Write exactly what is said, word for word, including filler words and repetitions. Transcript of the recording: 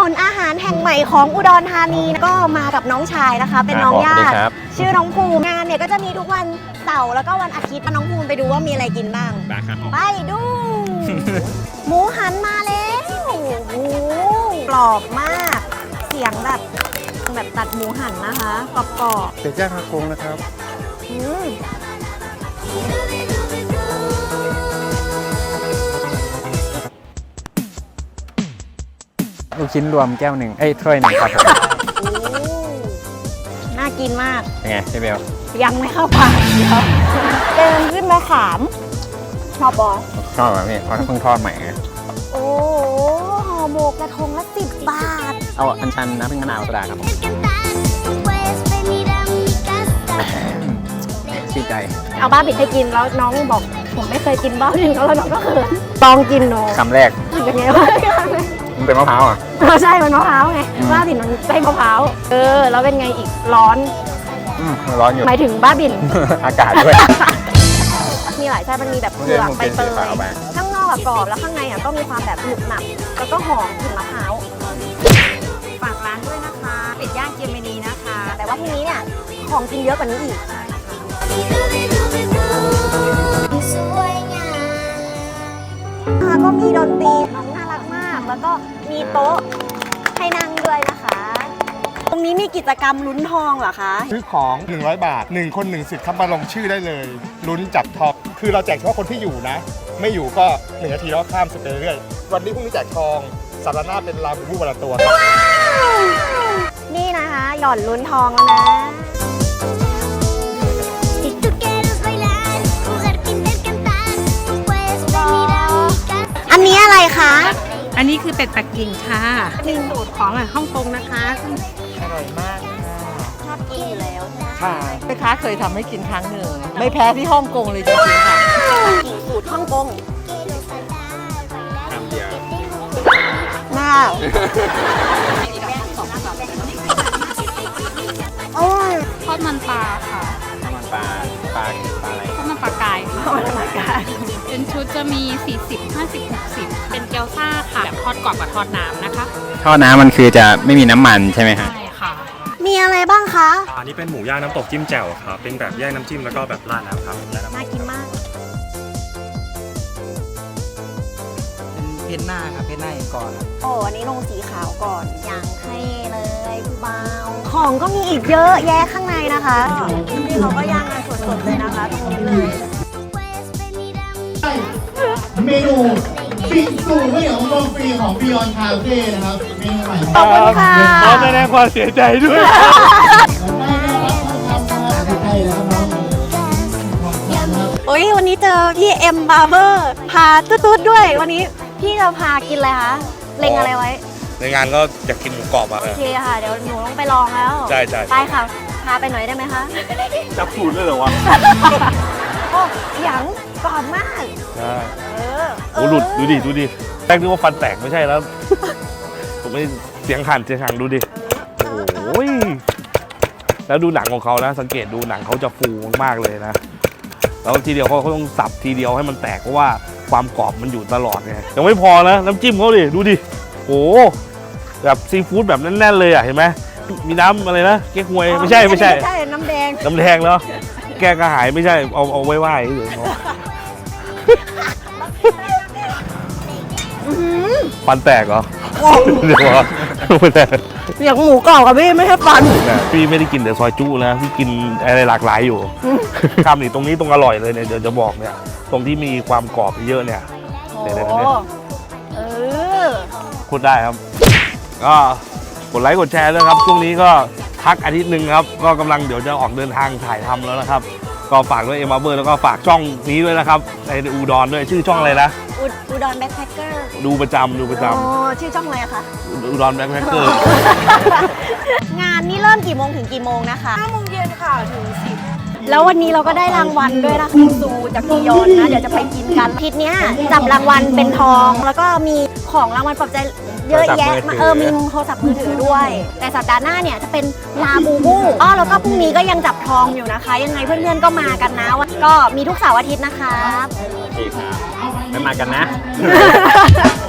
นอาหารแห่งใหม่ของอุดรธานีก็มากับน้องชายนะคะเป็นน้องญาติชื่อน้องภูมิงานเนี่ยก็จะมีทุกวันเสาร์แล้วก็วันอาทิตย์น้องภูมิไปดูว่ามีอะไรกินบ้างไปดูหมูหันมาแล้วโอ้โหกรอบมากเสียงแบบแบบตัดหมูหันนะคะกรอบกรอบเป็ดย่างฮากงนะครับลูกชิ้นรวมแก้วหนึ่งเอ้ยถ้วยหนึ่งครับผมน่ากินมากเป็นไงพี่เบลยังไม่เข้าปากเดี๋ยวเดินขึ้นมาขามชอบบอสชอบแบบนี้เพราะเพิ่งทอดใหม่ไงโอ้ห่อหมกกระทงละสิบบาทเอาอัญชันน้ำผึ้งมะนาวโซดาครับชื่นใจเอาบ้าบิดให้กินแล้วน้องบอกผมไม่เคยกินบ้าบิดแล้วน้องก็เขินลองกินหนูคำแรกเป็นไงวะมันเป็นมะพร้าวอ่ะใช่มันมะพร้าวไงบ้าบินมันใช่มะพร้าวเออแล้วเป็นไงอีกร้อนร้อนอยู่หมายถึงบ้าบินอากาศด้วยมีหลายไส้มันมีแบบเผือกใบเตยข้างนอกกรอบแล้วข้างในอ่ะก็มีความแบบหนุบหนับแล้วก็หอมกลิ่นมะพร้าวฝากร้านด้วยนะคะเป็ดย่างเจมินีนะคะแต่ว่าที่นี้เนี่ยของกินเยอะกว่านี้อีกก็มีดนตรีน้องน่ารักมากแล้วก็มีโต๊ะให้นั่งด้วยนะคะตรงนี้มีกิจกรรมลุ้นทองเหรอคะซื้อของหนึ่งร้อยบาทหนึ่งคนหนึ่งสิทธิ์ครับมาลงชื่อได้เลยลุ้นจับทองคือเราแจกเฉพาะคนที่อยู่นะไม่อยู่ก็หนึ่งนาทีแล้วข้ามสเปเรื่อยวันนี้พรุ่งนี้แจกทองสัปดาห์หน้าเป็นลาบูบูวันละตัวนี่นะคะหย่อนลุ้นทองแล้วนะอันนี้อะไรคะอันนี้คือเป็ดปักกิ่งค่ะเป็นสูตรของฮ่องกงนะคะอร่อยมากชอบกินอยู่แล้วค่ะแม่ค้าเคยทำให้กินครั้งหนึ่งไม่แพ้ที่ฮ่องกงเลยจริงๆค่ะสูตรฮ่องกงน่าโอ้ยทอดมันปลาค่ะทอดมันปลาปลาปลาอะไรทอดมันปลากายค่ะทอดมันปลากายเป็นชุดจะมีสี่สิบ ห้าสิบ หกสิบเป็นเกี๊ยวซ่าค่ะแบบทอดกรอบกับทอดน้ำนะคะทอดน้ำมันคือจะไม่มีน้ำมันใช่ไหมฮะใช่ค่ะมีอะไรบ้างคะอันนี้เป็นหมูย่างน้ำตกจิ้มแจ่วครับเป็นแบบแยกน้ำจิ้มแล้วก็แบบราดน้ำครับน่ากินมากเป็นเพนหน้าครับเพนหน้าเองก่อนโอ้อันนี้ลงสีขาวก่อนอย่างเท่เลยผู้เบาของก็มีอีกเยอะแยะข้างในนะคะนี่เขาก็ย่างกันสดๆเลยนะคะตรงนี้เลยเมนูปิงซูไม่เหนียวนมฟรีของ Beyond Cafe นะครับเมนูใหม่ขอบคุณค่ะขอแสดงความเสียใจด้วยโอ้ยวันนี้เจอพี่เอ็มบาร์เบอร์พาตุ๊ดๆด้วยวันนี้พี่จะพากินอะไรคะเล็งอะไรไว้ในงานก็อยากกินหมูกรอบอ่ะโอเคค่ะเดี๋ยวหนูต้องไปลองแล้วใช่ใช่ไปค่ะพาไปหน่อยได้ไหมคะจับสูตรเลยเหรอวะโอ้หยังกรอบมากใช่เออโอ้หลุดดูดิดูดิแรกนึกว่าฟันแตกไม่ใช่แล้วผมไม่เสียงหันเสียงหันดูดิโอ้ยแล้วดูหนังของเขานะสังเกตดูหนังเขาจะฟูมากเลยนะแล้วทีเดียวเขาเขาต้องสับทีเดียวให้มันแตกเพราะว่าความกรอบมันอยู่ตลอดไงยังไม่พอนะน้ำจิ้มเขาดิดูดิโอ้แบบซีฟู้ดแบบแน่นๆเลยอ่ะเห็นไหมมีน้ำอะไรนะเก๊กฮวยไม่ใช่ไม่ใช่ใช่น้ำแดงน้ำแดงแล้วแก้กระหายไม่ใช่เอาเอาไว้ไหว้เฉยฟันแตกเหรอเดี๋ยวไม่แตกเสียงหมูกรอบกับพี่ไม่ใช่ฟันพี่ไม่ได้กินแต่ซอยจุนะพี่กินอะไรหลากหลายอยู่คำนี่ตรงนี้ตรงอร่อยเลยเนี่ยเดี๋ยวจะบอกเนี่ยตรงที่มีความกรอบเยอะเนี่ยเดี๋ยวๆเนี่ยเออพูดได้ครับก็กดไลค์กดแชร์ด้วยครับช่วงนี้ก็พักอาทิตย์หนึ่งครับก็กำลังเดี๋ยวจะออกเดินทางถ่ายทำแล้วนะครับก็ฝากด้วยเอ็มบาร์เบอร์แล้วก็ฝากช่องนี้ด้วยนะครับในอุดรด้วยชื่อช่องอะไรนะอุดรแบ็คแพคเกอร์ดูประจำดูประจำอ๋อชื่อช่องอะไรคะอุดรแบ็คแพคเกอร์งานนี้เริ่มกี่โมงถึงกี่โมงนะคะห้าโมงเย็นค่ะถึงสิบแล้ววันนี้เราก็ได้รางวัลด้วยนะคะซูจากกิยอนนะเดี๋ยวจะไปกินกันอาทิตย์นี้จับรางวัลเป็นทองแล้วก็มีของรางวัลปลอบใจเยอะแยะเออมีโทรศัพท์มือถือด้วยแต่สัปดาห์หน้าเนี่ยจะเป็นลาบูบูอ๋อแล้วก็พรุ่งนี้ก็ยังจับทองอยู่นะคะยังไงเพื่อนๆก็มากันนะก็มีทุกเสาร์อาทิตย์นะคะไม่มากันนะ